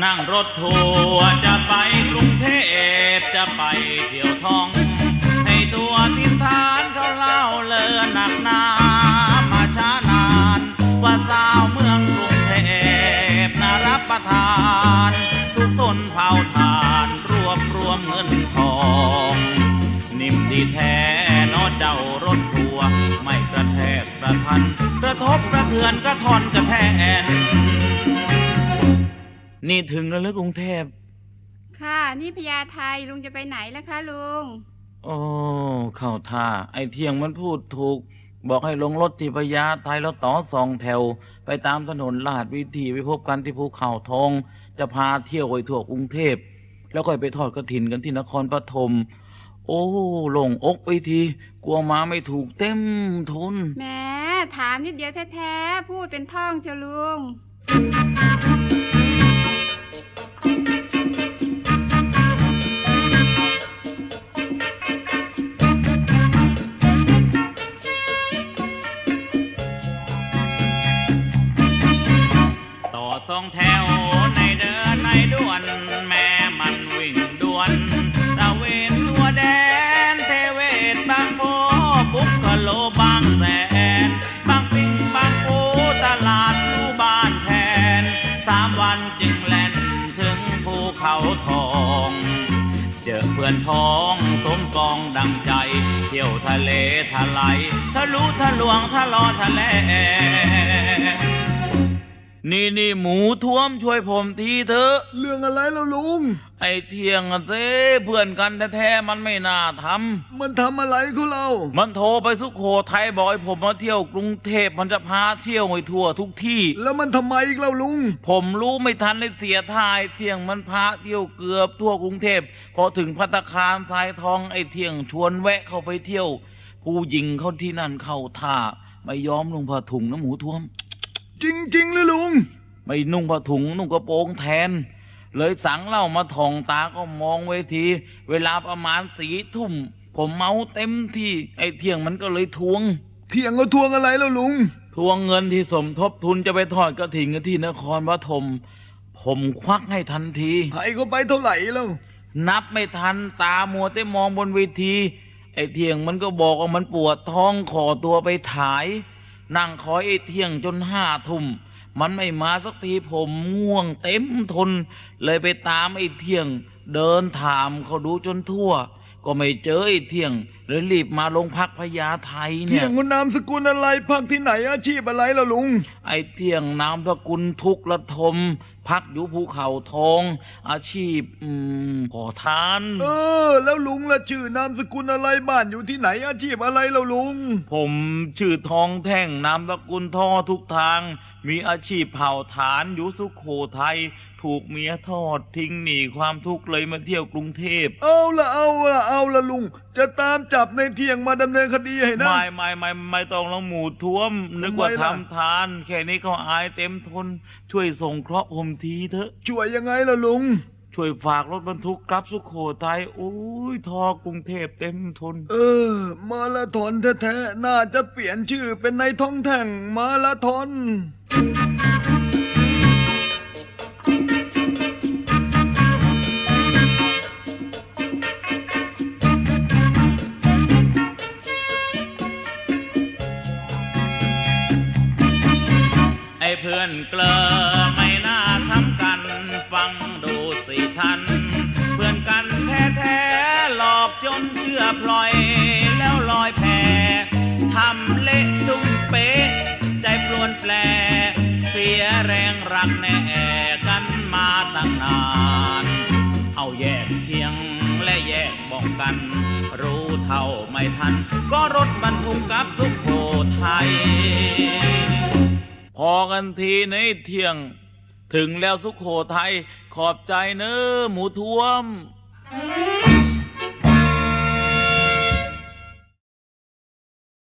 นั่งรถทัวร์จะไปกรุงเทพจะไปเที่ยวท่องให้ตัวทินฐานเขาเล่าเลือหนักหนามาช้านานว่าสาวเมืองกรุงเทพน่ารับประทานทุกตนเผาทานรวบรวมเงินทองนิ่มดีแท้นอเจ้ารถทัวร์ไม่กระแทกกระทันกระทบกระเทือนกระทอนกระแทนนี่ถึงแล้วหรือกรุงเทพค่ะนี่พญาไทลุงจะไปไหนล่ะคะลุงโอ้เข้าท่าไอ้เที่ยงมันพูดถูกบอกให้ลงรถที่พญาไทแล้วต่อ2 แถวไปตามถนนลาดวิถีไปพบกันที่ภูเขาทองจะพาเที่ยวไปทั่วกรุงเทพแล้วค่อยไปทอดกฐินกันที่นครปฐมโอ้หลงอกไปทีกลัวมาไม่ถูกเต็มทนแหมถามนิดเดียวแท้ๆพูดเป็นท่องเชียวลุง 2 แถวในเดินในด่วนแม่มันวิ่งด่วนตะเวนทั่วแดนเทเวศบางโพบุกโลบางแสนบางปิงบางปูตลาดลู่บ้านแทน3 วันจึงแล่นถึงภูเขาทองเจอเพื่อนพ้องสมปองดังใจเที่ยวทะเลทะไหลทะลุทะลวงทะลอทะเลนี่หมูท้วมช่วยผมทีเถอะเรื่องอะไรแล้วลุงไอ้เที่ยงเซ่เพื่อนกันแท้ๆมันไม่น่าทำมันทำอะไรเขาเรามันโทรไปสุโขทัยบอกให้ผมมาเที่ยวกรุงเทพมันจะพาเที่ยวไปทั่วทุกที่แล้วมันทำไมอีกแล้วลุงผมรู้ไม่ทันเลยเสียท่าไอ้เที่ยงมันพาเที่ยวเกือบทั่วกรุงเทพพอถึงภัตตาคารทรายทองไอ้เที่ยงชวนแวะเข้าไปเที่ยวผู้หญิงเขาที่นั่นเข้าท่าไม่ยอมลงผ้าถุงนะหมูท้วมจริงเลยลุงไม่นุ่งผ้าถุงนุ่งกระโปรงแทนเลยสั่งเหล้ามาท่องตาก็มองเวทีเวลาประมาณ4 ทุ่มผมเมาเต็มที่ไอ้เที่ยงมันก็เลยทวงเที่ยงเขาทวงอะไรแล้วลุงทวงเงินที่สมทบทุนจะไปทอดกฐินกันที่นครปฐมผมควักให้ทันทีให้เขาไปเท่าไหร่แล้วนับไม่ทันตามัวแต่มองบนเวทีไอ้เที่ยงมันก็บอกว่ามันปวดท้องขอตัวไปถ่ายนั่งคอยไอ้เที่ยงจน5 ทุ่มมันไม่มาสักทีผมง่วงเต็มทนเลยไปตามไอ้เที่ยงเดินถามเขาดูจนทั่วก็ไม่เจอไอ้เที่ยงเลยรีบมาโรงพักพญาไทเนี่ยเที่ยงคุณนามสกุลอะไรพักที่ไหนอาชีพอะไรล่ะลุงไอ้เที่ยงนามสกุลทุกระทมพักอยู่ภูเขาทองอาชีพขอทานแล้วลุงละชื่อนามสกุลอะไรบ้านอยู่ที่ไหนอาชีพอะไรล่ะลุงผมชื่อทองแท่งนามสกุลท่อทุกทางมีอาชีพเผาฐานอยู่สุโขทัยถูกเมียทอดทิ้งหนีความทุกข์เลยมาเที่ยวกรุงเทพเอาละลุงจะตามจับในเที่ยงมาดำเนินคดีให้นะไม่ต้องละหมูท้วมนึกว่าทำทานแค่นี้เขาอายเต็มทนช่วยส่งเคราะห์ผมทีเถอะช่วยยังไงล่ะลุงช่วยฝากรถบรรทุกกลับสุโขทัยโอ้ยทอกรุงเทพเต็มทนมาราธอนแท้ๆน่าจะเปลี่ยนชื่อเป็นนายท้องแท่งมาราธอนเพื่อนเกลอไม่น่าทำกันฟังดูสิท่านเพื่อนกันแท้ๆหลอกจนเชื่อพลอยแล้วลอยแพทำเละตุ้มเป๊ะใจปลวนแปลเสียแรงรักแน่กันมาตั้งนานเอาแยกเคียงและแยกบอกกันรู้เท่าไม่ทันก็รถบรรทุกกับสุโขทัยพอกันทีในเที่ยงถึงแล้วสุโขทัยขอบใจเนอะหมูท้วม